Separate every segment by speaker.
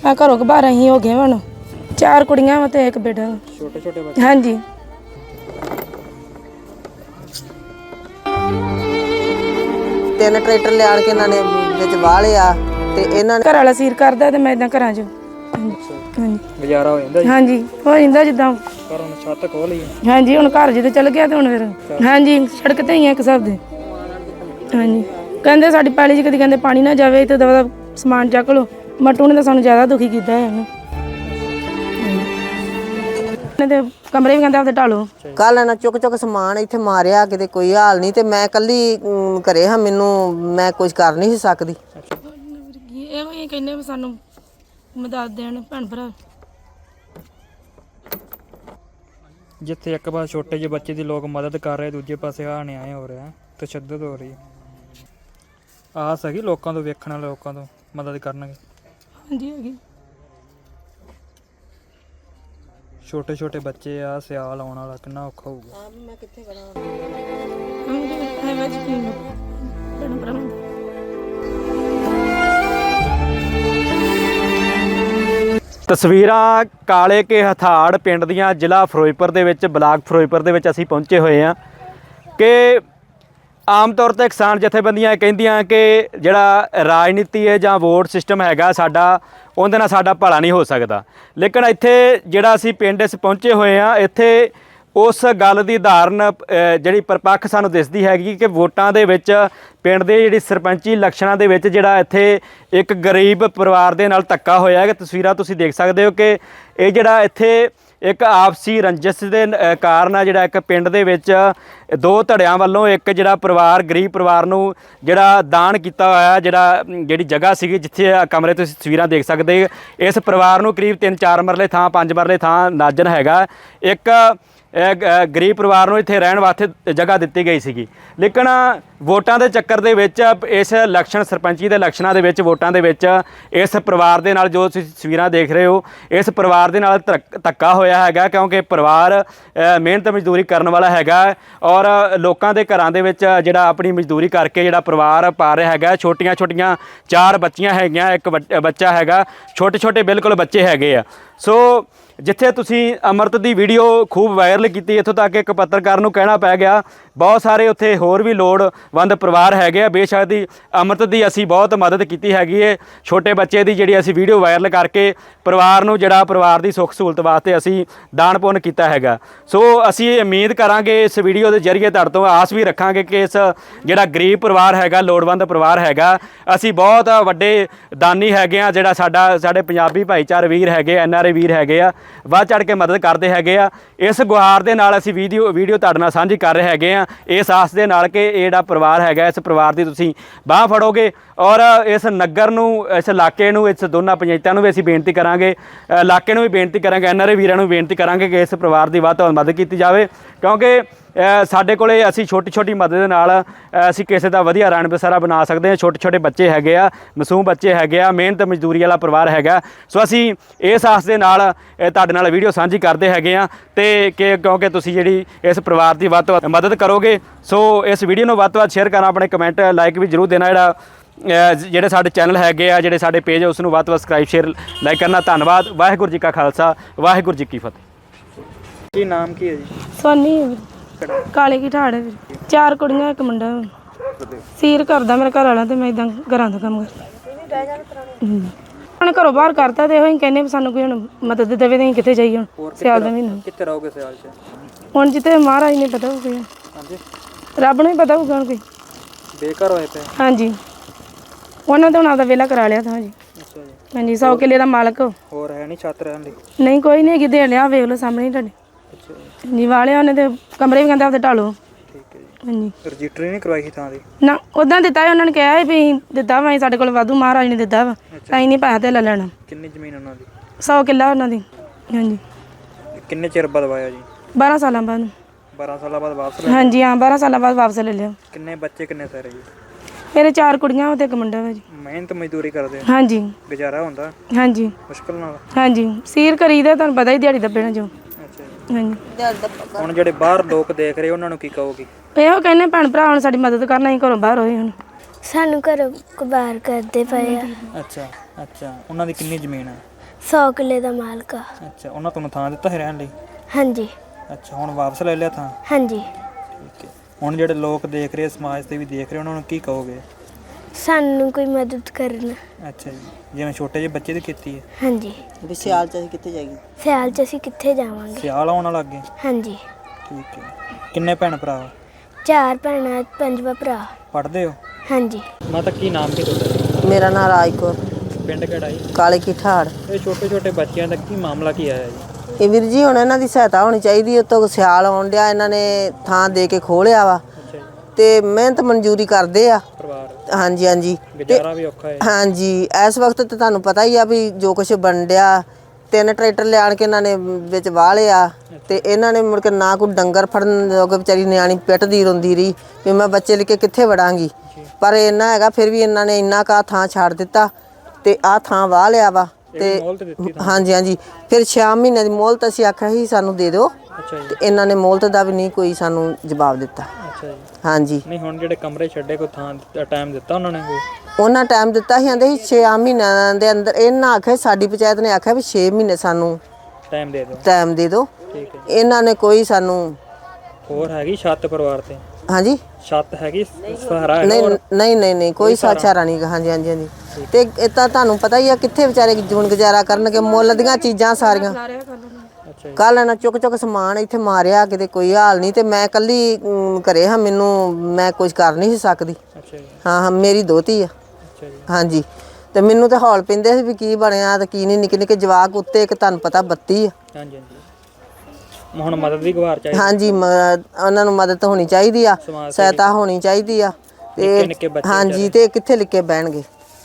Speaker 1: ਆ ਘਰੋਂ ਬਾਹਰ ਅਸੀਂ ਹੋ ਗਏ ਹੁਣ 4 ਕੁੜੀਆਂ ਵਾ ਤੇ 1 ਬੇਟਾ।
Speaker 2: ਛੋਟੇ ਛੋਟੇ ਬੱਚੇ?
Speaker 1: ਹਾਂਜੀ।
Speaker 3: ਤਿੰਨ ਟਰੈਕਟਰ ਲਿਆਣ ਕੇ ਇਹਨਾਂ ਨੇ ਵਿੱਚ ਵਾਹ ਲਿਆ ਤੇ ਇਹਨਾਂ ਨੇ
Speaker 1: ਘਰ ਵਾਲਾ ਸੀਰ ਕਰਦਾ ਤੇ ਮੈਂ ਇਦਾਂ ਘਰਾਂ 'ਚ। ਹਾਂਜੀ
Speaker 2: ਗੁਜ਼ਾਰਾ ਹੋ ਜਾਂਦਾ ਜੀ?
Speaker 1: ਹਾਂਜੀ ਹੋ ਜਾਂਦਾ ਜਿੱਦਾਂ।
Speaker 2: ਪਰ ਹੁਣ ਛੱਤ ਖੋਲ ਲਈ?
Speaker 1: ਹਾਂਜੀ ਹੁਣ ਘਰ ਜਿੱਦੇ ਚਲ ਗਿਆ ਤੇ ਹੁਣ ਫਿਰ ਹਾਂਜੀ ਸੜਕ ਤੇ ਹੀ ਆ ਇੱਕ ਹਿਸਾਬ ਦੇ। ਹਾਂਜੀ ਕਹਿੰਦੇ ਸਾਡੀ ਪੈਲੀ 'ਚ ਕਦੀ ਕਹਿੰਦੇ ਪਾਣੀ ਨਾ ਜਾਵੇ ਤੇ ਦਵਾ ਦਾ ਸਮਾਨ ਚੱਕ ਲਓ। ਮਟੂ ਨੇ ਤਾਂ ਸਾਨੂੰ ਜ਼ਿਆਦਾ ਦੁਖੀ ਕੀਤਾ ਹੈ ਇਹਨੂੰ ਤੇ ਕਮਰੇ ਵੀ ਕਹਿੰਦੇ ਆਪਦੇ ਢਾਲੋ।
Speaker 3: ਕੱਲ ਇਹਨਾਂ ਚੁੱਕ ਸਮਾਨ ਇੱਥੇ ਮਾਰਿਆ ਕਿਤੇ ਕੋਈ ਹਾਲ ਨਹੀਂ ਤੇ ਮੈਂ ਇਕੱਲੀ ਘਰੇ ਹਾਂ ਮੈਨੂੰ ਮੈਂ ਕੁਝ ਕਰ ਨਹੀਂ ਸੀ ਸਕਦੀ।
Speaker 1: ਇਹੋ ਹੀ ਕਹਿੰਦੇ ਵੀ ਸਾਨੂੰ ਮਦਦ ਦੇਣ ਭੈਣ ਭਰਾ।
Speaker 2: ਜਿੱਥੇ ਇੱਕ ਪਾਸੇ ਛੋਟੇ ਜਿਹੇ ਬੱਚੇ ਦੀ ਲੋਕ ਮਦਦ ਕਰ ਰਹੇ, ਦੂਜੇ ਪਾਸੇ ਆ ਅਨਿਆਏ ਹੋ ਰਿਹਾ, ਤਸ਼ੱਦਦ ਹੋ ਰਹੀ। ਆਸ ਹੈਗੀ ਲੋਕਾਂ ਤੋਂ, ਵੇਖਣ ਵਾਲੇ ਲੋਕਾਂ ਤੋਂ ਮਦਦ ਕਰਨਗੇ?
Speaker 1: ਹਾਂਜੀ ਹੈਗੀ।
Speaker 2: ਛੋਟੇ ਛੋਟੇ ਬੱਚੇ ਆ, ਸਿਆਲ ਆਉਣ ਵਾਲਾ, ਕਿੰਨਾ ਔਖਾ ਹੋਊਗਾ।
Speaker 3: ਮੈਂ ਕਿੱਥੇ ਕਰਾਂ
Speaker 4: ਤਸਵੀਰਾਂ ਕਾਲੇ ਕੇ ਹਥਾੜ ਪਿੰਡ ਦੀਆਂ, ਜ਼ਿਲ੍ਹਾ ਫਿਰੋਜ਼ਪੁਰ ਦੇ ਵਿੱਚ, ਬਲਾਕ ਫਿਰੋਜ਼ਪੁਰ ਦੇ ਵਿੱਚ ਅਸੀਂ ਪਹੁੰਚੇ ਹੋਏ ਹਾਂ ਕਿ ਆਮ ਤੌਰ 'ਤੇ ਕਿਸਾਨ ਜਥੇਬੰਦੀਆਂ ਕਹਿੰਦੀਆਂ ਕਿ ਜਿਹੜਾ ਰਾਜਨੀਤੀ ਹੈ ਜਾਂ ਵੋਟ ਸਿਸਟਮ ਹੈਗਾ ਸਾਡਾ, ਉਹਦੇ ਨਾਲ ਸਾਡਾ ਭਲਾ ਨਹੀਂ ਹੋ ਸਕਦਾ। ਲੇਕਿਨ ਇੱਥੇ ਜਿਹੜਾ ਅਸੀਂ ਪਿੰਡ ਇਸ ਪਹੁੰਚੇ ਹੋਏ ਹਾਂ, ਇੱਥੇ ਉਸ ਗੱਲ ਦੀ ਉਦਾਹਰਨ ਜਿਹੜੀ ਪਰਪੱਖ ਸਾਨੂੰ ਦਿਸਦੀ ਹੈਗੀ ਕਿ ਵੋਟਾਂ ਦੇ ਵਿੱਚ ਪਿੰਡ ਦੇ ਜਿਹੜੀ ਸਰਪੰਚੀ ਇਲੈਕਸ਼ਨਾਂ ਦੇ ਵਿੱਚ ਜਿਹੜਾ ਇੱਥੇ ਇੱਕ ਗਰੀਬ ਪਰਿਵਾਰ ਦੇ ਨਾਲ ਧੱਕਾ ਹੋਇਆ ਹੈ। ਕਿ ਤਸਵੀਰਾਂ ਤੁਸੀਂ ਦੇਖ ਸਕਦੇ ਹੋ ਕਿ ਇਹ ਜਿਹੜਾ ਇੱਥੇ ਇੱਕ ਆਪਸੀ ਰੰਜਿਸ਼ ਦੇ ਕਾਰਨ ਆ ਜਿਹੜਾ ਇੱਕ ਪਿੰਡ ਦੇ ਵਿੱਚ 2 ਧੜਿਆਂ ਵੱਲੋਂ ਇੱਕ ਜਿਹੜਾ ਪਰਿਵਾਰ, ਗਰੀਬ ਪਰਿਵਾਰ ਨੂੰ ਜਿਹੜਾ ਦਾਨ ਕੀਤਾ ਹੋਇਆ, ਜਿਹੜੀ ਜਗ੍ਹਾ ਸੀਗੀ ਜਿੱਥੇ ਕਮਰੇ ਤੁਸੀਂ ਤਸਵੀਰਾਂ ਦੇਖ ਸਕਦੇ। ਇਸ ਪਰਿਵਾਰ ਨੂੰ ਕਰੀਬ 3-4 ਮਰਲੇ ਥਾਂ, 5 ਮਰਲੇ ਥਾਂ ਨਾਜਨ ਹੈਗਾ। ਇੱਕ ਗਰੀਬ ਪਰਿਵਾਰ ਨੂੰ ਇੱਥੇ ਰਹਿਣ ਵਾਸਤੇ ਜਗ੍ਹਾ ਦਿੱਤੀ ਗਈ ਸੀਗੀ। ਲੇਕਿਨ ਵੋਟਾਂ ਦੇ ਚੱਕਰ ਦੇ ਵਿੱਚ ਇਸ ਇਲੈਕਸ਼ਨ, ਸਰਪੰਚੀ ਦੇ ਇਲੈਕਸ਼ਨਾਂ ਦੇ ਵਿੱਚ, ਵੋਟਾਂ ਦੇ ਵਿੱਚ ਇਸ ਪਰਿਵਾਰ ਦੇ ਨਾਲ ਜੋ ਤੁਸੀਂ ਤਸਵੀਰਾਂ ਦੇਖ ਰਹੇ ਹੋ, ਇਸ ਪਰਿਵਾਰ ਦੇ ਨਾਲ ਧੱਕਾ ਹੋਇਆ ਹੈਗਾ। ਕਿਉਂਕਿ ਪਰਿਵਾਰ ਮਿਹਨਤ ਮਜ਼ਦੂਰੀ ਕਰਨ ਵਾਲਾ ਹੈਗਾ ਔਰ ਲੋਕਾਂ ਦੇ ਘਰਾਂ ਦੇ ਵਿੱਚ ਜਿਹੜਾ ਆਪਣੀ ਮਜ਼ਦੂਰੀ ਕਰਕੇ ਜਿਹੜਾ ਪਰਿਵਾਰ ਪਾ ਰਿਹਾ ਹੈਗਾ। ਛੋਟੀਆਂ 4 ਬੱਚੀਆਂ ਹੈਗੀਆਂ, 1 ਬੱਚਾ ਹੈਗਾ, ਛੋਟੇ ਬਿਲਕੁਲ ਬੱਚੇ ਹੈਗੇ ਆ। ਸੋ ਜਿੱਥੇ ਤੁਸੀਂ ਅੰਮ੍ਰਿਤ ਦੀ ਵੀਡੀਓ ਖੂਬ ਵਾਇਰਲ ਕੀਤੀ, ਇੱਥੋਂ ਤੱਕ ਇੱਕ ਪੱਤਰਕਾਰ ਨੂੰ ਕਹਿਣਾ ਪੈ ਗਿਆ। ਬਹੁਤ ਸਾਰੇ ਉੱਥੇ ਹੋਰ ਵੀ ਲੋੜਵੰਦ ਪਰਿਵਾਰ ਹੈਗੇ ਆ। ਬੇਸ਼ੱਕ ਦੀ ਅੰਮ੍ਰਿਤ ਦੀ ਅਸੀਂ ਬਹੁਤ ਮਦਦ ਕੀਤੀ ਹੈਗੀ ਹੈ। ਛੋਟੇ ਬੱਚੇ ਦੀ ਜਿਹੜੀ ਅਸੀਂ ਵੀਡੀਓ ਵਾਇਰਲ ਕਰਕੇ ਪਰਿਵਾਰ ਨੂੰ ਜਿਹੜਾ ਪਰਿਵਾਰ ਦੀ ਸੁੱਖ ਸਹੂਲਤ ਵਾਸਤੇ ਅਸੀਂ ਦਾਨ ਪੁੰਨ ਕੀਤਾ ਹੈਗਾ। ਸੋ ਅਸੀਂ ਉਮੀਦ ਕਰਾਂਗੇ ਇਸ ਵੀਡੀਓ ਦੇ ਜ਼ਰੀਏ ਤੁਹਾਡੇ ਤੋਂ ਆਸ ਵੀ ਰੱਖਾਂਗੇ ਕਿ ਇਸ ਜਿਹੜਾ ਗਰੀਬ ਪਰਿਵਾਰ ਹੈਗਾ, ਲੋੜਵੰਦ ਪਰਿਵਾਰ ਹੈਗਾ, ਅਸੀਂ ਬਹੁਤ ਵੱਡੇ ਦਾਨੀ ਹੈਗੇ ਆ। ਜਿਹੜਾ ਸਾਡੇ ਪੰਜਾਬੀ ਭਾਈਚਾਰੇ ਵੀਰ ਹੈਗੇ, NRA ਵੀਰ ਹੈਗੇ ਆ, ਵੱਧ ਚੜ੍ਹ ਕੇ ਮਦਦ ਕਰਦੇ ਹੈਗੇ ਆ। ਇਸ ਗੁਹਾਰ ਦੇ ਨਾਲ ਅਸੀਂ ਵੀਡੀਓ ਤੁਹਾਡੇ ਨਾਲ ਸਾਂਝੀ ਕਰ ਰਹੇ ਹੈਗੇ ਆ, ਇਸ ਆਸ ਦੇ ਨਾਲ ਕਿ ਇਹ ਜਿਹੜਾ ਪਰਿਵਾਰ ਹੈਗਾ, ਇਸ ਪਰਿਵਾਰ ਦੀ ਤੁਸੀਂ ਬਾਂਹ ਫੜੋਗੇ ਔਰ ਇਸ ਨਗਰ ਨੂੰ, ਇਸ ਇਲਾਕੇ ਨੂੰ, ਇਸ ਦੋਨਾਂ ਪੰਚਾਇਤਾਂ ਨੂੰ ਵੀ ਅਸੀਂ ਬੇਨਤੀ ਕਰਾਂਗੇ, ਇਲਾਕੇ ਨੂੰ ਵੀ ਬੇਨਤੀ ਕਰਾਂਗੇ, NRA ਵੀਰਾਂ ਨੂੰ ਬੇਨਤੀ ਕਰਾਂਗੇ ਕਿ ਇਸ ਪਰਿਵਾਰ ਦੀ ਵੱਧ ਤੋਂ ਵੱਧ ਮਦਦ ਕੀਤੀ ਜਾਵੇ। ਕਿਉਂਕਿ ਸਾਡੇ ਕੋਲੇ ਅਸੀਂ ਛੋਟੀ ਮਦਦ ਦੇ ਨਾਲ ਅਸੀਂ ਕਿਸੇ ਦਾ ਵਧੀਆ ਰਣ ਬਸੇਰਾ ਬਣਾ ਸਕਦੇ ਹਾਂ। ਛੋਟੇ ਬੱਚੇ ਹੈਗੇ ਆ, ਮਾਸੂਮ ਬੱਚੇ ਹੈਗੇ ਆ, ਮਿਹਨਤ ਮਜ਼ਦੂਰੀ ਵਾਲਾ ਪਰਿਵਾਰ ਹੈਗਾ। ਸੋ ਅਸੀਂ ਇਸ ਆਸ ਦੇ ਨਾਲ ਤੁਹਾਡੇ ਨਾਲ ਵੀਡੀਓ ਸਾਂਝੀ ਕਰਦੇ ਹੈਗੇ ਆ ਤੇ ਕਿਉਂਕਿ ਤੁਸੀਂ ਜਿਹੜੀ ਇਸ ਪਰਿਵਾਰ ਦੀ ਵੱਧ ਤੋਂ ਵੱਧ ਮਦਦ ਕਰੋਗੇ। ਸੋ ਇਸ ਵੀਡੀਓ ਨੂੰ ਵੱਧ ਤੋਂ ਵੱਧ ਸ਼ੇਅਰ ਕਰਨਾ, ਆਪਣੇ ਕਮੈਂਟ ਲਾਈਕ ਵੀ ਜ਼ਰੂਰ ਦੇਣਾ। ਜਿਹੜੇ ਸਾਡੇ ਚੈਨਲ ਹੈਗੇ ਆ, ਜਿਹੜੇ ਸਾਡੇ ਪੇਜ, ਉਸ ਨੂੰ ਵੱਧ ਤੋਂ ਵੱਧ ਸਬਸਕ੍ਰਾਈਬ, ਸ਼ੇਅਰ, ਲਾਈਕ ਕਰਨਾ। ਧੰਨਵਾਦ। ਵਾਹਿਗੁਰੂ ਜੀ ਕਾ ਖਾਲਸਾ, ਵਾਹਿਗੁਰੂ ਜੀ ਕੀ ਫਤਿਹ।
Speaker 2: ਕੀ ਨਾਮ ਕੀ ਹੈ ਜੀ?
Speaker 1: ਸੋਨੀ ਕਾਲੇ ਕੀ ਠਾੜ ਹੈ। 4 ਕੁੜੀਆਂ 1 ਮੁੰਡਾ। ਸੀਰ ਕਰਦਾ ਮੇਰਾ ਘਰ ਵਾਲਾ ਤੇ ਮੈਂ ਇਦਾਂ ਘਰਾਂ ਦਾ ਕੰਮ ਕਰਦਾ। ਹੁਣ ਘਰੋਂ ਬਾਹਰ ਕਰਤਾ ਤੇ ਇਹੋ ਹੀ ਕਹਿੰਦੇ ਵੀ ਸਾਨੂੰ ਕੋਈ ਹੁਣ ਮਦਦ ਦੇਵੇ ਤੇ ਅਸੀਂ ਕਿੱਥੇ ਜਾਈਏ ਹੁਣ ਸਿਆਲ ਦਾ ਮਹੀਨਾ।
Speaker 2: ਕਿੱਥੇ ਰਹੋਗੇ ਸਿਆਲ 'ਚ?
Speaker 1: ਹੁਣ ਜਿੱਥੇ ਮਹਾਰਾਜ ਨੇ ਪਤਾ ਹੋਊਗਾ।
Speaker 2: ਹਾਂਜੀ,
Speaker 1: ਰੱਬ ਨੂੰ ਹੀ ਪਤਾ ਹੋਊਗਾ ਹੁਣ ਕੋਈ।
Speaker 2: ਬੇਘਰ ਹੋਏ ਪਏ?
Speaker 1: ਹਾਂਜੀ, ਉਹਨਾਂ ਤੇ ਹੁਣ ਆਪਦਾ ਵਿਹਲਾ ਕਰਾ ਲਿਆ ਤਾਂ ਜੀ।
Speaker 2: ਅੱਛਾ ਜੀ।
Speaker 1: ਹਾਂਜੀ, 100 ਕਿੱਲੇ ਦਾ ਮਾਲਕ।
Speaker 2: ਹੋਰ ਹੈ ਨਹੀਂ ਛੱਤ ਰਹਿਣ ਲਈ?
Speaker 1: ਨਹੀਂ, ਕੋਈ ਨਹੀਂ ਹੈਗੀ, ਦੇ ਲਿਆ, ਵੇਖ ਲਓ ਸਾਹਮਣੇ ਤੁਹਾਡੇ।
Speaker 2: ਅੱਛਾ ਜੀ।
Speaker 1: ਜੀ ਵਾਲਿਆ ਉਹਨੇ ਤੇ ਕਮਰੇ ਵੀ ਕਹਿੰਦੇ ਆਪਦੇ ਢਾਲੋ।
Speaker 2: ਠੀਕ ਹੈ ਜੀ।
Speaker 1: ਹਾਂਜੀ,
Speaker 2: ਰਜਿਸਟਰੀ ਨਹੀਂ ਕਰਵਾਈ ਸੀ ਥਾਂ ਦੀ?
Speaker 1: ਨਾ ਉੱਦਾਂ ਦਿੱਤਾ ਹੈ, ਉਹਨਾਂ ਨੇ ਕਿਹਾ ਵੀ ਅਸੀਂ ਦਿੱਤਾ ਵਾ, ਸਾਡੇ ਕੋਲ ਵਾਧੂ ਮਹਾਰਾਜ ਨੇ ਦਿੱਤਾ ਵਾ, ਅਸੀਂ ਨਹੀਂ ਪੈਸਾ ਤੇ ਲੈ ਲੈਣਾ।
Speaker 2: ਕਿੰਨੀ ਜ਼ਮੀਨ ਉਹਨਾਂ ਦੀ?
Speaker 1: 100 ਕਿੱਲਾ ਉਹਨਾਂ ਦੀ। ਹਾਂਜੀ।
Speaker 2: ਕਿੰਨੇ ਚਿਰ ਬਾਅਦ ਵਾਇਆ ਜੀ?
Speaker 1: 12 ਸਾਲਾਂ ਬਾਅਦ।
Speaker 2: 12 ਸਾਲਾਂ ਬਾਅਦ ਵਾਪਸ ਲੈ?
Speaker 1: ਹਾਂਜੀ ਹਾਂ, 12 ਸਾਲਾਂ ਬਾਅਦ ਵਾਪਸ ਲੈ ਲਿਆ।
Speaker 2: ਕਿੰਨੇ ਬੱਚੇ, ਕਿੰਨੇ ਸਾਰੇ ਜੀ?
Speaker 1: ਮੇਰੇ 4 ਕੁੜੀਆਂ ਤੇ 1 ਮੁੰਡਾ ਵਾ ਜੀ।
Speaker 2: ਮਿਹਨਤ ਮਜ਼ਦੂਰੀ ਕਰਦੇ?
Speaker 1: ਹਾਂਜੀ।
Speaker 2: ਗੁਜ਼ਾਰਾ ਹੁੰਦਾ?
Speaker 1: ਹਾਂਜੀ।
Speaker 2: ਮੁਸ਼ਕਲ ਨਾਲ?
Speaker 1: ਹਾਂਜੀ, ਸੀਰ ਕਰੀਦਾ, ਤੁਹਾਨੂੰ ਪਤਾ ਹੀ ਦਿਹਾੜੀ ਦੱਬੇ ਨਾ ਜੋ।
Speaker 2: ਅੱਛਾ ਜੀ।
Speaker 1: ਹਾਂਜੀ।
Speaker 2: ਹੁਣ ਜਿਹੜੇ ਬਾਹਰ ਲੋਕ ਦੇਖ ਰਹੇ ਉਹਨਾਂ ਨੂੰ ਕੀ ਕਹੋਗੇ?
Speaker 1: ਇਹੋ ਕਹਿੰਦੇ ਭੈਣ ਭਰਾ ਹੁਣ ਸਾਡੀ ਮਦਦ ਕਰਨਾ, ਅਸੀਂ ਘਰੋਂ ਬਾਹਰ ਹੋਏ ਹੁਣ।
Speaker 5: ਸਾਨੂੰ ਘਰੋਂ ਬਾਹਰ ਕਰਦੇ ਪਏ ਆ।
Speaker 2: ਅੱਛਾ, ਉਹਨਾਂ ਦੀ ਕਿੰਨੀ ਜ਼ਮੀਨ ਹੈ?
Speaker 5: 100 ਕਿੱਲੇ ਦਾ ਮਾਲਕ ਆ।
Speaker 2: ਅੱਛਾ, ਉਹਨਾਂ ਤੁਹਾਨੂੰ ਥਾਂ ਦਿੱਤਾ ਹੈ ਰਹਿਣ ਲਈ?
Speaker 5: ਹਾਂਜੀ
Speaker 2: ਅੱਛਾ, ਹੁਣ ਵਾਪਸ ਲੈ ਲਿਆ ਥਾਂ?
Speaker 5: ਹਾਂਜੀ।
Speaker 2: ਠੀਕ ਹੈ। ਹੁਣ ਜਿਹੜੇ ਲੋਕ ਦੇਖ ਰਹੇ, ਸਮਾਜ ਤੇ ਵੀ ਦੇਖ ਰਹੇ, ਉਹਨਾਂ ਨੂੰ ਕੀ ਕਹੋਗੇ?
Speaker 5: ਸਾਨੂੰ ਕੋਈ ਮਦਦ ਕਰਨ।
Speaker 2: ਅੱਛਾ ਜੀ, ਜਿਵੇਂ ਛੋਟੇ ਜਿਹੇ ਬੱਚੇ ਦੀ ਕੀਤੀ ਹੈ।
Speaker 5: ਹਾਂਜੀ।
Speaker 3: ਵੀ ਸਿਆਲ ਚ ਅਸੀਂ ਕਿੱਥੇ ਜਾਈਏ?
Speaker 5: ਸਿਆਲ 'ਚ ਅਸੀਂ ਕਿੱਥੇ ਜਾਵਾਂਗੇ?
Speaker 2: ਸਿਆਲ ਆਉਣ ਵਾਲਾ ਅੱਗੇ?
Speaker 5: ਹਾਂਜੀ।
Speaker 2: ਠੀਕ ਹੈ। ਕਿੰਨੇ ਭੈਣ ਭਰਾ ਹੋ?
Speaker 5: 4 ਭੈਣਾਂ 5ਵਾਂ ਭਰਾ।
Speaker 2: ਪੜ੍ਹਦੇ ਹੋ?
Speaker 5: ਹਾਂਜੀ।
Speaker 2: ਮਾਤਾ ਕੀ ਨਾਮ ਕੀ ਤੁਹਾਡਾ?
Speaker 3: ਮੇਰਾ ਨਾਮ ਰਾਜਕੌਰ,
Speaker 2: ਪਿੰਡ ਕਿਹੜਾ ਜੀ?
Speaker 3: ਕਾਲੇ ਕੀ ਠਾੜ।
Speaker 2: ਇਹ ਛੋਟੇ ਛੋਟੇ ਬੱਚਿਆਂ ਦਾ ਕੀ ਮਾਮਲਾ ਕੀ ਆਇਆ ਜੀ?
Speaker 3: ਇਹ ਵੀਰ ਜੀ ਹੁਣ ਇਹਨਾਂ ਦੀ ਸਹਾਇਤਾ ਹੋਣੀ ਚਾਹੀਦੀ। ਉਤੋਂ ਸਿਆਲ ਆਉਣ ਡਿਆ, ਇਹਨਾਂ ਨੇ ਥਾਂ ਦੇ ਕੇ ਖੋਲਿਆ ਵਾ
Speaker 2: ਅੱਛਾ ਜੀ।
Speaker 3: ਤੇ ਮਿਹਨਤ ਮਨਜ਼ੂਰੀ ਕਰਦੇ ਆ।
Speaker 2: ਪਰਿਵਾਰ
Speaker 3: ਹਾਂਜੀ ਹਾਂਜੀ
Speaker 2: ਗੁਜ਼ਾਰਾ ਵੀ ਔਖਾ ਹੈ।
Speaker 3: ਹਾਂਜੀ, ਇਸ ਵਕਤ ਤੇ ਤੁਹਾਨੂੰ ਪਤਾ ਹੀ ਆ ਵੀ ਜੋ ਕੁਛ ਬਣ ਡਿਆ। 3 ਟਰੈਕਟਰ ਲਿਆਣ ਕੇ ਇਹਨਾਂ ਨੇ ਵਿੱਚ ਵਾਹ ਲਿਆ ਤੇ ਇਹਨਾਂ ਨੇ ਮੁੜ ਕੇ ਨਾ ਕੋਈ ਡੰਗਰ ਫੜਨ ਜੋਗੇ, ਵਿਚਾਰੀ ਨਿਆਣੀ ਪਿੱਟਦੀ ਰੋਂਦੀ ਰਹੀ ਵੀ ਮੈਂ ਬੱਚੇ ਲੈ ਕੇ ਕਿੱਥੇ ਵੜਾਂਗੀ। ਪਰ ਇੰਨਾ ਹੈਗਾ ਫਿਰ ਵੀ ਇਹਨਾਂ ਨੇ ਇੰਨਾ ਕਾ ਥਾਂ ਛੱਡ ਦਿੱਤਾ ਤੇ ਆਹ ਥਾਂ ਵਾਹ ਲਿਆ ਵਾ। ਤੇ
Speaker 2: ਮੋਹਲਤ ਦਿੱਤੀ ਤਾਂ?
Speaker 3: ਹਾਂਜੀ ਹਾਂਜੀ, ਫਿਰ 6 ਮਹੀਨੇ ਦੀ ਮੋਹਲਤ ਅਸੀਂ ਆਖਿਆ ਸੀ ਸਾਨੂੰ ਦੇ ਦਿਓ
Speaker 2: ਅੱਛਾ ਜੀ।
Speaker 3: ਤੇ ਇਹਨਾਂ ਨੇ ਮੋਹਲਤ ਦਾ ਵੀ ਨਹੀਂ ਕੋਈ ਸਾਨੂੰ ਜਵਾਬ ਦਿੱਤਾ।
Speaker 2: ਅੱਛਾ ਜੀ।
Speaker 3: ਹਾਂਜੀ,
Speaker 2: ਨਹੀਂ, ਹੁਣ ਜਿਹੜੇ ਕਮਰੇ ਛੱਡੇ, ਕੋਈ ਥਾਂ ਟਾਈਮ ਦਿੱਤਾ ਉਹਨਾਂ ਨੇ ਕੋਈ?
Speaker 3: ਉਹਨਾਂ ਟਾਈਮ ਦਿੱਤਾ ਸੀ, ਆਂਦੇ ਸੀ 6 ਮਹੀਨਿਆਂ ਦੇ ਅੰਦਰ। ਇਹਨਾਂ ਆਖਿਆ, ਸਾਡੀ ਪੰਚਾਇਤ ਨੇ ਆਖਿਆ ਵੀ 6 ਮਹੀਨੇ ਸਾਨੂੰ
Speaker 2: ਟਾਈਮ ਦੇ ਦਿਓ।
Speaker 3: ਟਾਈਮ ਦੇ ਦਿਓ।
Speaker 2: ਠੀਕ ਹੈ।
Speaker 3: ਇਹਨਾਂ ਨੇ ਕੋਈ ਸਾਨੂੰ।
Speaker 2: ਹੋਰ ਹੈਗੀ ਛੱਤ ਪਰਿਵਾਰ ਤੇ?
Speaker 3: ਹਾਂਜੀ,
Speaker 2: ਛੱਤ ਹੈਗੀ, ਸਹਾਰਾ ਹੈਗਾ?
Speaker 3: ਨਹੀਂ
Speaker 2: ਹੋਰ?
Speaker 3: ਨਹੀਂ ਨਹੀਂ ਨਹੀਂ, ਕੋਈ ਸਾਚਾਰਾ ਨਹੀਂ ਗਾ। ਹਾਂਜੀ ਹਾਂਜੀ ਹਾਂਜੀ। ਤੇ ਇਹ ਤਾਂ ਤੁਹਾਨੂੰ ਪਤਾ ਹੀ ਆ ਕਿੱਥੇ ਵਿਚਾਰੇ ਜੂਨ ਗੁਜ਼ਾਰਾ ਕਰਨਗੇ, ਮੁੱਲ ਦੀਆਂ ਚੀਜ਼ਾਂ ਸਾਰੀਆਂ।
Speaker 2: ਅੱਛਾ ਜੀ।
Speaker 3: ਕੱਲ ਇਹਨਾਂ ਚੁੱਕ ਸਮਾਨ ਇੱਥੇ ਮਾਰਿਆ, ਕਿਤੇ ਕੋਈ ਹਾਲ ਨਹੀਂ। ਤੇ ਮੈਂ ਇਕੱਲੀ ਘਰੇ ਹਾਂ, ਮੈਨੂੰ ਮੈਂ ਕੁਝ ਕਰ ਨਹੀਂ ਸੀ ਸਕਦੀ।
Speaker 2: ਅੱਛਾ ਜੀ।
Speaker 3: ਹਾਂ ਹਾਂ, ਮੇਰੀ ਦੋਤੀ ਆ।
Speaker 2: ਅੱਛਾ ਜੀ।
Speaker 3: ਹਾਂਜੀ, ਤੇ ਮੈਨੂੰ ਤੇ ਹੌਲ ਪੈਂਦੇ ਸੀ ਵੀ ਕੀ ਬਣਿਆ ਤੇ ਕੀ ਨਹੀਂ। ਨਿੱਕੇ ਨਿੱਕੇ ਜਵਾਕ ਉੱਤੇ, ਇੱਕ ਤੁਹਾਨੂੰ ਪਤਾ 32 ਆ।
Speaker 2: ਹਾਂਜੀ ਹਾਂਜੀ। ਹੁਣ ਮਦਦ ਦੀ ਗੁਹਾਰ ਚਾਹੀਦੀ?
Speaker 3: ਹਾਂਜੀ, ਉਹਨਾਂ ਨੂੰ ਮਦਦ ਹੋਣੀ ਚਾਹੀਦੀ ਆ, ਸਹਾਇਤਾ ਹੋਣੀ ਚਾਹੀਦੀ ਆ।
Speaker 2: ਨਿੱਕੇ ਨਿੱਕੇ ਬੱਚੇ?
Speaker 3: ਹਾਂਜੀ, ਤੇ ਕਿੱਥੇ ਲਿਖੇ ਬਹਿਣਗੇ।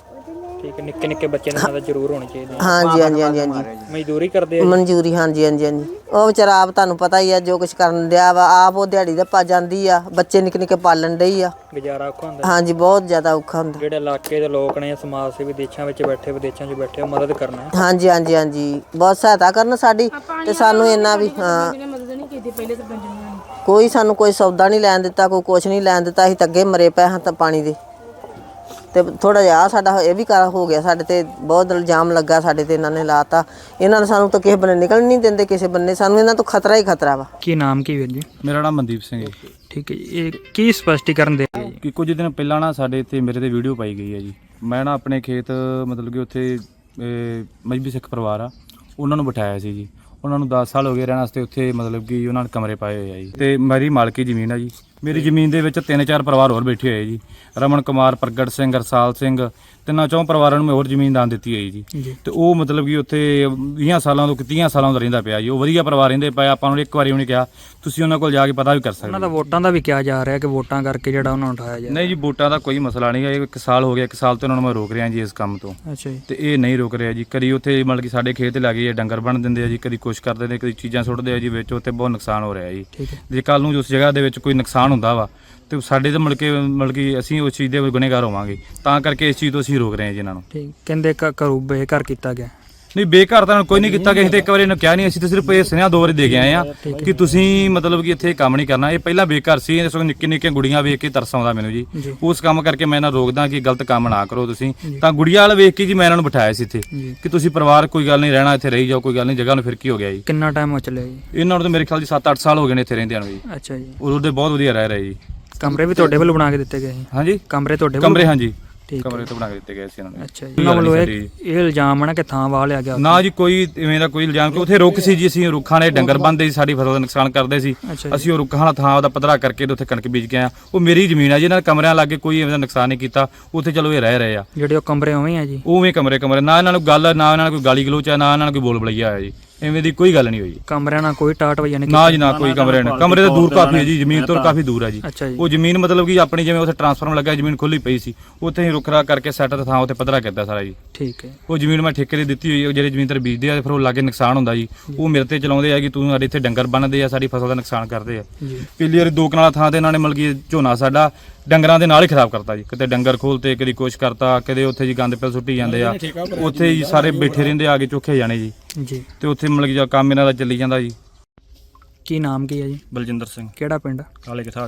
Speaker 2: ਠੀਕ ਹੈ। ਨਿੱਕੇ ਨਿੱਕੇ ਬੱਚਿਆਂ ਦੀ ਮਦਦ ਜ਼ਰੂਰ ਹੋਣੀ ਚਾਹੀਦੀ ਹੈ।
Speaker 3: ਹਾਂਜੀ ਹਾਂਜੀ ਹਾਂਜੀ ਹਾਂਜੀ,
Speaker 2: ਮਜ਼ਦੂਰੀ ਕਰਦੇ ਆ?
Speaker 3: ਮਨਜ਼ੂਰੀ। ਹਾਂਜੀ ਹਾਂਜੀ ਹਾਂਜੀ। ਉਹ ਵਿਚਾਰਾ ਆਪ ਤੁਹਾਨੂੰ ਪਤਾ ਹੀ ਆ ਜੋ ਕੁਝ ਕਰਨ ਡਿਆ ਵਾ। ਆਪ ਉਹ ਦਿਹਾੜੀ ਦਾ ਪਾ ਜਾਂਦੀ ਆ, ਬੱਚੇ ਨਿੱਕੇ ਨਿੱਕੇ ਪਾਲਣ ਡਈ ਆ।
Speaker 2: ਗੁਜ਼ਾਰਾ ਔਖਾ ਹੁੰਦਾ?
Speaker 3: ਹਾਂਜੀ, ਬਹੁਤ ਜ਼ਿਆਦਾ ਔਖਾ ਹੁੰਦਾ।
Speaker 2: ਜਿਹੜੇ ਇਲਾਕੇ ਦੇ ਲੋਕ ਨੇ, ਸਮਾਜ ਸੇਵੀ ਦੇਸ਼ਾਂ ਵਿੱਚ ਬੈਠੇ, ਵਿਦੇਸ਼ਾਂ 'ਚ ਬੈਠੇ, ਉਹ ਮਦਦ ਕਰਨਾ ਹੈ।
Speaker 3: ਹਾਂਜੀ ਹਾਂਜੀ ਹਾਂਜੀ, ਬਹੁਤ ਸਹਾਇਤਾ ਕਰਨ ਸਾਡੀ। ਤੇ ਸਾਨੂੰ ਇੰਨਾ ਵੀ ਹਾਂ,
Speaker 1: ਮਦਦ ਨਹੀਂ ਕੀਤੀ ਪਹਿਲੇ ਤਾਂ ਪਿੰਡ ਨੇ।
Speaker 3: ਕੋਈ ਸਾਨੂੰ ਕੋਈ ਸੌਦਾ ਨਹੀਂ ਲੈਣ ਦਿੱਤਾ, ਕੋਈ ਕੁਛ ਨਹੀਂ ਲੈਣ ਦਿੱਤਾ। ਅਸੀਂ ਤਾਂ ਅੱਗੇ ਮਰੇ ਪਏ ਹਾਂ ਤਾਂ ਪਾਣੀ ਦੇ। ਤੇ ਥੋੜਾ ਜਿਹਾ ਸਾਡਾ ਇਹ ਵੀ ਕਰ ਹੋ ਗਿਆ, ਸਾਡੇ ਤੇ ਬਹੁਤ ਇਲਜ਼ਾਮ ਲੱਗਾ ਸਾਡੇ ਤੇ। ਇਹਨਾਂ ਨੇ ਲਾਤਾ। ਇਹਨਾਂ ਨੇ ਸਾਨੂੰ ਤਾਂ ਕਿਸੇ ਬੰਨੇ ਨਿਕਲਣ ਨਹੀਂ ਦਿੰਦੇ, ਕਿਸੇ ਬੰਨੇ। ਸਾਨੂੰ ਇਹਨਾਂ ਤੋਂ ਖਤਰਾ ਹੀ ਖਤਰਾ ਵਾ।
Speaker 2: ਕੀ ਨਾਮ ਕੀ ਵੀਰ ਜੀ?
Speaker 6: ਮੇਰਾ ਨਾਮ ਮਨਦੀਪ ਸਿੰਘ ਹੈ।
Speaker 2: ਠੀਕ ਹੈ ਜੀ। ਇਹ ਕੀ ਸਪਸ਼ਟੀਕਰਨ ਦੇ ਜੀ?
Speaker 6: ਕਿ ਕੁਝ ਦਿਨ ਪਹਿਲਾਂ ਨਾ ਸਾਡੇ ਇੱਥੇ ਮੇਰੇ ਤੇ ਵੀਡੀਓ ਪਾਈ ਗਈ ਹੈ ਜੀ। ਮੈਂ ਨਾ ਆਪਣੇ ਖੇਤ ਮਤਲਬ ਕਿ ਉੱਥੇ ਮਜ਼੍ਹਬੀ ਸਿੱਖ ਪਰਿਵਾਰ ਆ, ਉਹਨਾਂ ਨੂੰ ਬਿਠਾਇਆ ਸੀ ਜੀ। ਉਹਨਾਂ ਨੂੰ 10 ਸਾਲ ਹੋ ਗਏ ਰਹਿਣ ਵਾਸਤੇ ਉੱਥੇ, ਮਤਲਬ ਕਿ ਉਹਨਾਂ ਨੇ ਕਮਰੇ ਪਾਏ ਹੋਏ ਆ ਜੀ। ਤੇ ਮੇਰੀ ਮਾਲਕੀ ਜ਼ਮੀਨ ਆ ਜੀ। ਮੇਰੀ ਜ਼ਮੀਨ ਦੇ ਵਿੱਚ 3-4 ਪਰਿਵਾਰ ਹੋਰ ਬੈਠੇ ਹੋਏ ਜੀ। ਰਮਨ ਕੁਮਾਰ, ਪ੍ਰਗਟ ਸਿੰਘ, ਰਸਾਲ ਸਿੰਘ, 3-4 ਪਰਿਵਾਰਾਂ ਨੂੰ ਮੈਂ ਹੋਰ ਜ਼ਮੀਨ ਦਾਨ ਦਿੱਤੀ ਹੋਈ ਜੀ। ਤੇ ਉਹ ਮਤਲਬ ਕਿ ਉੱਥੇ 20 ਸਾਲਾਂ ਤੋਂ 30 ਸਾਲਾਂ ਤੋਂ ਰਹਿੰਦਾ ਪਿਆ ਜੀ। ਉਹ ਵਧੀਆ ਪਰਿਵਾਰ ਰਹਿੰਦੇ ਪਏ। ਆਪਾਂ ਨੂੰ ਇੱਕ ਵਾਰੀ ਉਹਨੇ ਕਿਹਾ ਤੁਸੀਂ ਉਹਨਾਂ ਕੋਲ ਜਾ ਕੇ ਪਤਾ ਵੀ ਕਰ ਸਕਦੇ।
Speaker 2: ਉਹਨਾਂ ਦਾ ਵੋਟਾਂ ਦਾ ਵੀ ਕਿਹਾ ਜਾ ਰਿਹਾ ਕਿ ਵੋਟਾਂ ਕਰਕੇ ਜਿਹੜਾ ਉਹਨਾਂ ਨੂੰ ਉਠਾਇਆ ਜਾਏ।
Speaker 6: ਨਹੀਂ ਜੀ, ਵੋਟਾਂ ਦਾ ਕੋਈ ਮਸਲਾ ਨਹੀਂ ਹੈ। 1 ਸਾਲ ਹੋ ਗਿਆ, 1 ਸਾਲ ਤੋਂ ਉਹਨਾਂ ਨੂੰ ਮੈਂ ਰੋਕ ਰਿਹਾ ਜੀ ਇਸ ਕੰਮ ਤੋਂ।
Speaker 2: ਅੱਛਾ ਜੀ।
Speaker 6: ਤੇ ਇਹ ਨਹੀਂ ਰੁਕ ਰਿਹਾ ਜੀ। ਕਦੀ ਉੱਥੇ ਮਤਲਬ ਕਿ ਸਾਡੇ ਖੇਤ ਲੱਗੇ ਡੰਗਰ ਬਣ ਦਿੰਦੇ ਆ ਜੀ, ਕਦੀ ਕੁਛ ਕਰਦੇ ਨੇ, ਕਦੀ ਚੀਜ਼ਾਂ ਸੁੱਟਦੇ ਆ ਜੀ ਵਿੱਚ। ਉੱਥੇ ਬਹੁਤ ਨੁਕਸਾਨ ਹੋ ਰਿਹਾ ਜੀ।
Speaker 2: ਠੀਕ ਹੈ।
Speaker 6: ਜੇ ਕੱਲ ਨੂੰ ਉਸ ਜਗ੍ਹਾ ਦੇ ਵਿੱਚ ਕੋਈ ਨੁਕਸਾਨ ਹੁੰਦਾ ਵਾ ਤੇ ਸਾਡੇ ਤਾਂ ਮਤਲਬ ਕਿ ਅਸੀਂ ਉਸ ਚੀਜ਼ ਦੇ ਗੁਨੇਗਾਰ ਹੋਵਾਂਗੇ। ਤਾਂ ਕਰਕੇ ਇਸ ਚੀਜ਼ ਤੋਂ ਅਸੀਂ ਰੋਕ ਰਹੇ ਹਾਂ ਜੀ ਇਹਨਾਂ ਨੂੰ।
Speaker 2: ਠੀਕ। ਕਹਿੰਦੇ ਘਰੋਂ ਬੇਘਰ ਕੀਤਾ ਗਿਆ?
Speaker 6: ਨਹੀਂ, ਬੇਘਰ ਤਾਂ ਕੋਈ ਨਹੀਂ ਕੀਤਾ ਗਿਆ। ਅਸੀਂ ਤਾਂ ਇੱਕ ਵਾਰੀ ਇਹਨੂੰ ਕਿਹਾ ਨਹੀਂ। ਅਸੀਂ ਤਾਂ ਸਿਰਫ ਇਹ ਸੁਨੇਹਾ 2 ਵਾਰੀ ਦੇ ਕੇ ਆਏ ਆ ਕਿ ਤੁਸੀਂ ਮਤਲਬ ਕਿ ਇੱਥੇ ਕੰਮ ਨਹੀਂ ਕਰਨਾ। ਇਹ ਪਹਿਲਾਂ ਬੇਘਰ ਸੀ। ਇਸ ਵਕਤ ਨਿੱਕੇ ਨਿੱਕੇ ਗੁੜੀਆਂ ਵੇਖ ਕੇ ਤਰਸ ਆਉਂਦਾ ਮੈਨੂੰ ਜੀ। ਉਸ ਕੰਮ ਕਰਕੇ ਮੈਂ ਇਹਨਾਂ ਰੋਕਦਾ ਕਿ ਗਲਤ ਕੰਮ ਨਾ ਕਰੋ ਤੁਸੀਂ। ਤਾਂ ਗੁੜੀਆਂ ਵਾਲਾ ਵੇਖ ਕੇ ਜੀ ਮੈਂ ਇਹਨਾਂ ਨੂੰ ਬਿਠਾਇਆ ਸੀ ਇੱਥੇ ਕਿ ਤੁਸੀਂ ਪਰਿਵਾਰ ਕੋਈ ਗੱਲ ਨਹੀਂ, ਰਹਿਣਾ ਇੱਥੇ ਰਹੀ ਜਾਓ, ਕੋਈ ਗੱਲ ਨਹੀਂ। ਜਗ੍ਹਾ ਨੂੰ ਫਿਰ ਕੀ ਹੋ ਗਿਆ ਜੀ?
Speaker 2: ਕਿੰਨਾ ਟਾਈਮ ਹੋ ਚੱਲਿਆ ਜੀ?
Speaker 6: ਇਹਨਾਂ ਨੂੰ ਤਾਂ ਮੇਰੇ ਖਿਆਲ ਜੀ 7-8 ਸਾਲ ਹੋ ਗਏ ਨੇ ਇੱਥੇ ਰਹਿੰਦਿਆਂ ਨੂੰ ਜੀ।
Speaker 2: ਅੱਛਾ ਜੀ।
Speaker 6: ਉਹਦੇ ਬਹੁਤ ਵਧੀਆ ਰਹਿ ਰਹੇ ਜੀ।
Speaker 2: ਕਮਰੇ ਵੀ ਤੁਹਾਡੇ ਵੱਲੋਂ ਬਣਾ ਕੇ ਦਿੱਤੇ ਗਏ ਸੀ?
Speaker 6: ਹਾਂਜੀ,
Speaker 2: ਕਮਰੇ ਤੁਹਾਡੇ ਵੱਲੋਂ?
Speaker 6: ਕਮਰੇ ਹਾਂਜੀ,
Speaker 2: ਠੀਕ
Speaker 6: ਕਮਰੇ ਤੋਂ ਬਣਾ ਕੇ ਦਿੱਤੇ ਗਏ ਸੀ ਇਹਨਾਂ ਨੂੰ।
Speaker 2: ਅੱਛਾ ਜੀ। ਉਹਨਾਂ ਵੱਲੋਂ ਇਹ ਇਲਜ਼ਾਮ ਹੈ ਨਾ ਕਿ ਥਾਂ ਵਾਹ ਲਿਆ ਗਿਆ?
Speaker 6: ਨਾ ਜੀ, ਕੋਈ ਇਵੇਂ ਦਾ ਕੋਈ ਇਲਜ਼ਾਮ ਕਿ ਉੱਥੇ ਰੁੱਖ ਸੀ ਜੀ। ਅਸੀਂ ਰੁੱਖਾਂ ਨੇ ਡੰਗਰ ਬੰਨ੍ਹਦੇ ਸੀ, ਸਾਡੀ ਫਸਲ ਦਾ ਨੁਕਸਾਨ ਕਰਦੇ ਸੀ। ਅਸੀਂ ਉਹ ਰੁੱਖਾਂ ਦਾ ਥਾਂ ਉਹਦਾ ਪੱਧਰਾ ਕਰਕੇ ਤੇ ਉੱਥੇ ਕਣਕ ਬੀਜ ਕੇ ਆਏ। ਉਹ ਮੇਰੀ ਜ਼ਮੀਨ ਆ ਜੀ। ਇਹਨਾਂ ਦੇ ਕਮਰਿਆਂ ਲਾਗੇ ਕੋਈ ਇਵੇਂ ਦਾ ਨੁਕਸਾਨ ਨਹੀਂ ਕੀਤਾ। ਉੱਥੇ ਚਲੋ ਇਹ ਰਹਿ ਰਹੇ ਆ।
Speaker 2: ਜਿਹੜੇ ਉਹ ਕਮਰੇ ਉਵੇਂ ਆ ਜੀ?
Speaker 6: ਉਵੇਂ ਕਮਰੇ ਨਾ ਇਹਨਾਂ ਨੂੰ ਗੱਲ, ਨਾ ਇਹਨਾਂ ਨੂੰ ਕੋਈ ਗਾਲੀ ਗਲੋਚ ਆ, ਨਾ ਇਹਨਾਂ ਨੂੰ ਕੋਈ ਬੋਲ ਬਲਈਆ ਆਇਆ ਜੀ। ਐਵੇਂ ਦੀ ਕੋਈ ਗੱਲ ਨਹੀਂ ਹੋਈ।
Speaker 2: ਕਮਰਿਆਂ ਨਾਲ ਕੋਈ ਟਾਟ ਵਜਾ ਨਹੀਂ?
Speaker 6: ਨਾ ਜੀ, ਨਾ ਕੋਈ ਕਮਰੇ ਤਾਂ ਦੂਰ ਕਾਫੀ ਹੈ ਜੀ, ਜ਼ਮੀਨ ਤੋਂ ਕਾਫੀ ਦੂਰ ਹੈ ਜੀ।
Speaker 2: ਅੱਛਾ ਜੀ।
Speaker 6: ਉਹ ਜ਼ਮੀਨ ਮਤਲਬ ਕਿ ਆਪਣੀ ਜਿਵੇਂ ਉੱਥੇ ਟਰਾਂਸਫਾਰਮਰ ਲੱਗਾ, ਜ਼ਮੀਨ ਖੁੱਲੀ ਪਈ ਸੀ, ਉੱਥੇ ਹੀ ਰੁੱਖਰਾ ਕਰਕੇ ਸੈੱਟ ਤੇ ਥਾਂ ਉੱਥੇ ਪੱਧਰਾ ਕੀਤਾ ਸਾਰਾ ਜੀ।
Speaker 2: ਠੀਕ ਹੈ।
Speaker 6: ਉਹ ਜ਼ਮੀਨ ਮੈਂ ਠੇਕੇ ਤੇ ਦਿੱਤੀ ਹੋਈ ਹੈ। ਜਿਹੜੇ ਜ਼ਮੀਨ ਤੇ ਬੀਜਦੇ ਆ ਫਿਰ ਉਹ ਲਾਗੇ ਨੁਕਸਾਨ ਹੁੰਦਾ ਜੀ। ਉਹ ਮੇਰੇ ਤੇ ਚਲਾਉਂਦੇ ਆ ਕਿ ਤੂੰ ਸਾਡੇ ਇੱਥੇ ਡੰਗਰ ਬੰਨ੍ਹਦੇ ਆ, ਸਾਡੀ ਫਸਲ ਦਾ ਨੁਕਸਾਨ ਕਰਦੇ ਆ। ਪਿਛਲੀ ਵਾਰੀ 2 ਕਨਾਲ ਥਾਂ ਤੇ ਇਹਨਾਂ ਨੇ ਮਤਲਬ ਕਿ ਝੋਨਾ ਸਾਡਾ ਡੰਗਰਾਂ ਦੇ ਨਾਲ ਹੀ ਖਰਾਬ ਕਰਤਾ ਜੀ। ਕਿਤੇ ਡੰਗਰ ਖੋਲਤੇ, ਕਦੀ ਕੁਛ ਕਰਤਾ, ਕਦੇ ਉੱਥੇ ਜੀ ਗੰਦ ਪਿਲ ਸੁੱਟੀ ਜਾਂਦੇ ਆ। ਉੱਥੇ ਜੀ ਸਾਰੇ ਬੈਠੇ ਰਹਿੰਦੇ ਆ ਕੇ ਚੋਖੇ ਜਾਣੇ ਜੀ। ਤੇ ਉੱਥੇ ਮਤਲਬ ਕਿ ਕੰਮ ਇਹਨਾਂ ਦਾ ਚੱਲੀ ਜਾਂਦਾ ਜੀ।
Speaker 2: ਕੀ ਨਾਮ ਕੀ ਹੈ ਜੀ?
Speaker 6: ਬਲਜਿੰਦਰ ਸਿੰਘ।
Speaker 2: ਕਿਹੜਾ ਪਿੰਡ?
Speaker 6: ਕਾਲੇ ਕਠਾੜ ਜੀ।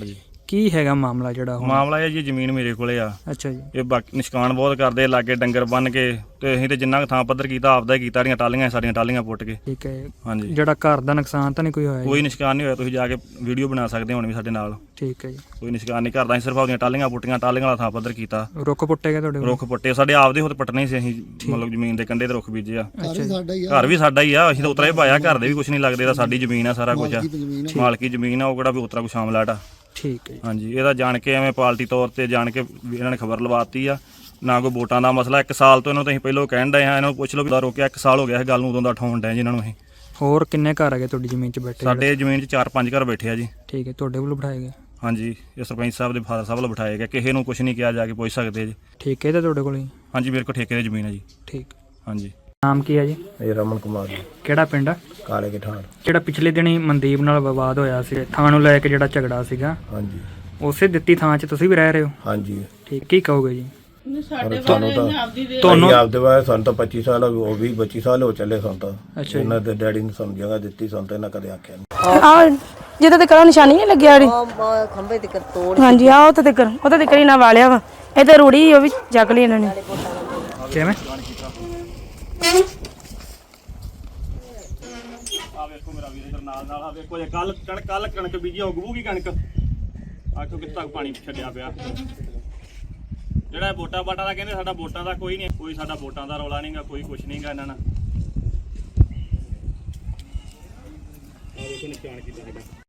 Speaker 2: ਕੀ ਹੈਗਾ ਮਾਮਲਾ ਜਿਹੜਾ ਹੁਣ?
Speaker 7: ਮਾਮਲਾ ਇਹ ਜੀ ਜ਼ਮੀਨ ਮੇਰੇ ਕੋਲੇ ਆ।
Speaker 2: ਅੱਛਾ ਜੀ।
Speaker 7: ਇਹ ਬਾਕੀ ਨਿਸ਼ਕਾਨ ਬਹੁਤ ਕਰਦੇ, ਲਾਗੇ ਡੰਗਰ ਬੰਨ ਕੇ, ਤੇ ਅਸੀਂ ਤੇ ਜਿੰਨਾ ਕੁ ਥਾਂ ਪੱਧਰ ਕੀਤਾ ਆਪਦਾ ਹੀ ਕੀਤਾ, ਸਾਡੀਆਂ ਟਾਲੀਆਂ ਪੁੱਟ ਕੇ।
Speaker 2: ਠੀਕ ਹੈ।
Speaker 7: ਹਾਂਜੀ,
Speaker 2: ਜਿਹੜਾ ਘਰ ਦਾ ਨੁਕਸਾਨ ਤਾਂ ਨਹੀਂ ਕੋਈ ਹੋਇਆ ਜੀ?
Speaker 7: ਕੋਈ ਨਿਸ਼ਕਾਨ ਨਹੀਂ ਹੋਇਆ, ਤੁਸੀਂ ਜਾ ਕੇ ਵੀਡੀਓ ਬਣਾ ਸਕਦੇ ਹੋ ਹੁਣ ਵੀ ਸਾਡੇ ਨਾਲ।
Speaker 2: ਠੀਕ ਹੈ ਜੀ।
Speaker 7: ਕੋਈ ਨਿਸ਼ਕਾਨ ਨਹੀਂ ਕਰਦਾ, ਅਸੀਂ ਸਿਰਫ ਆਪਦੀਆਂ ਟਾਲੀਆਂ ਪੁੱਟੀਆਂ, ਟਾਲੀਆਂ ਵਾਲਾ ਥਾਂ ਪੱਧਰ ਕੀਤਾ।
Speaker 2: ਰੁੱਖ ਪੁੱਟੇ ਗਏ ਤੁਹਾਡੇ ਕੋਲ?
Speaker 7: ਰੁੱਖ ਪੁੱਟੇ ਸਾਡੇ ਆਪਦੇ ਹੁੱਤ ਪੱਟਣੇ ਸੀ, ਅਸੀਂ ਮਤਲਬ ਜ਼ਮੀਨ ਦੇ ਕੰਢੇ ਤੇ ਰੁੱਖ ਬੀਜੇ ਆ।
Speaker 2: ਅੱਛਾ ਜੀ।
Speaker 7: ਘਰ ਵੀ ਸਾਡਾ ਹੀ ਆ, ਅਸੀਂ ਤਾਂ ਉਤਰਾ ਹੀ ਪਾਇਆ, ਘਰ ਦੇ ਵੀ ਕੁਝ ਨਹੀਂ ਲੱਗਦੇ, ਇਹਦਾ ਸਾਡੀ ਜ਼ਮੀਨ ਆ, ਸਾਰਾ ਕੁਝ ਆ, ਮਾਲਕੀ ਜ਼ਮੀਨ ਆ, ਉਹ ਕਿਹੜਾ ਵੀ ਉਤਰਾ ਕੋਈ ਸ਼ਾਮਲਾਟ ਆ।
Speaker 2: ਠੀਕ ਹੈ ਜੀ।
Speaker 7: ਹਾਂਜੀ, ਇਹਦਾ ਜਾਣ ਕੇ ਐਵੇਂ ਪਾਰਟੀ ਤੌਰ ਤੇ ਜਾਣ ਕੇ ਵੀ ਇਹਨਾਂ ਨੇ ਖਬਰ ਲਵਾਤੀ ਆ। ਨਾ ਕੋਈ ਵੋਟਾਂ ਦਾ ਮਸਲਾ, 1 ਸਾਲ ਤੋਂ ਇਹਨਾਂ ਨੂੰ ਅਸੀਂ ਪਹਿਲਾਂ ਕਹਿਣ ਡਏ ਹਾਂ, ਇਹਨਾਂ ਨੂੰ ਪੁੱਛ ਲਓ ਵੀ ਰੋਕਿਆ 1 ਸਾਲ ਹੋ ਗਿਆ ਇਹ ਗੱਲ ਨੂੰ, ਉਦੋਂ ਦਾ ਠਾਉਣ ਡਏ ਜਿਨ੍ਹਾਂ ਨੂੰ ਅਸੀਂ।
Speaker 2: ਹੋਰ ਕਿੰਨੇ ਘਰ ਹੈਗੇ ਤੁਹਾਡੀ ਜ਼ਮੀਨ 'ਚ ਬੈਠੇ?
Speaker 7: ਸਾਡੇ ਜ਼ਮੀਨ 'ਚ 4-5 ਘਰ ਬੈਠੇ ਆ ਜੀ।
Speaker 2: ਠੀਕ ਹੈ, ਤੁਹਾਡੇ ਵੱਲੋਂ ਬਿਠਾਏ ਗਏ?
Speaker 7: ਹਾਂਜੀ, ਇਹ ਸਰਪੰਚ ਸਾਹਿਬ ਦੇ ਫਾਦਰ ਸਾਹਿਬ ਵੱਲੋਂ ਬਿਠਾਏ ਗਏ, ਕਿਸੇ ਨੂੰ ਕੁਝ ਨਹੀਂ ਕਿਹਾ, ਜਾ ਕੇ ਪੁੱਛ ਸਕਦੇ ਜੀ।
Speaker 2: ਠੀਕ ਹੈ, ਤਾਂ ਤੁਹਾਡੇ ਕੋਲ ਹੀ?
Speaker 7: ਹਾਂਜੀ, ਮੇਰੇ ਕੋਲ ਠੇਕੇ ਦੀ ਜ਼ਮੀਨ ਹੈ ਜੀ।
Speaker 2: ਠੀਕ।
Speaker 7: ਹਾਂਜੀ।
Speaker 2: ਨਾਮ ਕੀ ਹੈ ਜੀ?
Speaker 8: ਇਹ ਰਮਨ ਕੁਮਾਰ ਜੀ,
Speaker 2: ਕਿਹੜਾ ਪਿੰਡ ਆ?
Speaker 8: ਕਾਲੇ ਕੇ ਠਾੜ।
Speaker 2: ਜਿਹੜਾ ਪਿਛਲੇ ਦਿਨੀ ਮਨਦੀਪ ਨਾਲ ਵਿਵਾਦ ਹੋਇਆ ਸੀ, ਥਾਂ ਨੂੰ ਲੈ ਕੇ ਜਿਹੜਾ ਝਗੜਾ ਸੀਗਾ,
Speaker 8: ਹਾਂਜੀ
Speaker 2: ਉਸੇ ਦਿੱਤੀ ਥਾਂ 'ਚ ਤੁਸੀਂ ਵੀ ਰਹਿ ਰਹੇ ਹੋ?
Speaker 8: ਹਾਂਜੀ।
Speaker 2: ਠੀਕ, ਕੀ ਕਹੋਗੇ ਜੀ?
Speaker 8: ਤੁਹਾਨੂੰ
Speaker 2: ਤੁਹਾਨੂੰ
Speaker 8: ਆਪਦੇ ਬਾਰੇ ਸਾਨੂੰ ਤਾਂ 25 ਸਾਲ ਉਹ ਵੀ 25 ਸਾਲ ਹੋ ਚੱਲੇ ਸਾਨੂੰ ਤਾਂ।
Speaker 2: ਅੱਛਾ ਜੀ।
Speaker 8: ਇਹਨਾਂ ਦੇ ਡੈਡੀ ਨੇ ਸਾਨੂੰ ਜਗ੍ਹਾ ਦਿੱਤੀ, ਸਾਨੂੰ ਤਾਂ ਇਹਨਾਂ ਕਦੇ ਆਖਿਆ ਨਹੀਂ।
Speaker 1: ਆ ਜਿੱਦਾਂ ਤੇ ਕਰਾਂ ਨਿਸ਼ਾਨੀ ਨਹੀਂ ਲੱਗਿਆ ਜਿਹੜੀ,
Speaker 3: ਖੰਭੇ ਤੇ ਤੋੜ
Speaker 1: ਹਾਂਜੀ ਆ ਉਹ ਤੇ ਕਰੀ ਨਾ ਵਾਲਿਆ ਵਾ, ਇਹ ਤੇ ਰੂੜੀ ਉਹ ਵੀ ਚੱਕ ਲਈ ਇਹਨਾਂ ਨੇ।
Speaker 2: ਕਿਵੇਂ?
Speaker 7: ਆ ਵੇਖੋ ਮੇਰਾ ਵੀਰ ਇਧਰ ਨਾਲ ਆ ਵੇਖੋ, ਜੇ ਕੱਲ ਕਣਕ ਬੀਜੀ ਉਗੂਗੀ ਕਣਕ, ਆਖੋ ਕਿੱਥੇ ਤੱਕ ਪਾਣੀ ਛੱਡਿਆ ਪਿਆ। ਜਿਹੜਾ ਵੋਟਾਂ ਬਾਟਾਂ ਦਾ ਕਹਿੰਦੇ, ਸਾਡਾ ਵੋਟਾਂ ਦਾ ਕੋਈ ਨਹੀਂ, ਕੋਈ ਸਾਡਾ ਵੋਟਾਂ ਦਾ ਰੌਲਾ ਨਹੀਂਗਾ, ਕੋਈ ਕੁਛ ਨਹੀਂਗਾ ਇਹਨਾਂ ਨਾਲ। ਆ ਵੇਖੋ ਨਿਸ਼ਾਨ ਕੀਤਾ ਹੈਗਾ।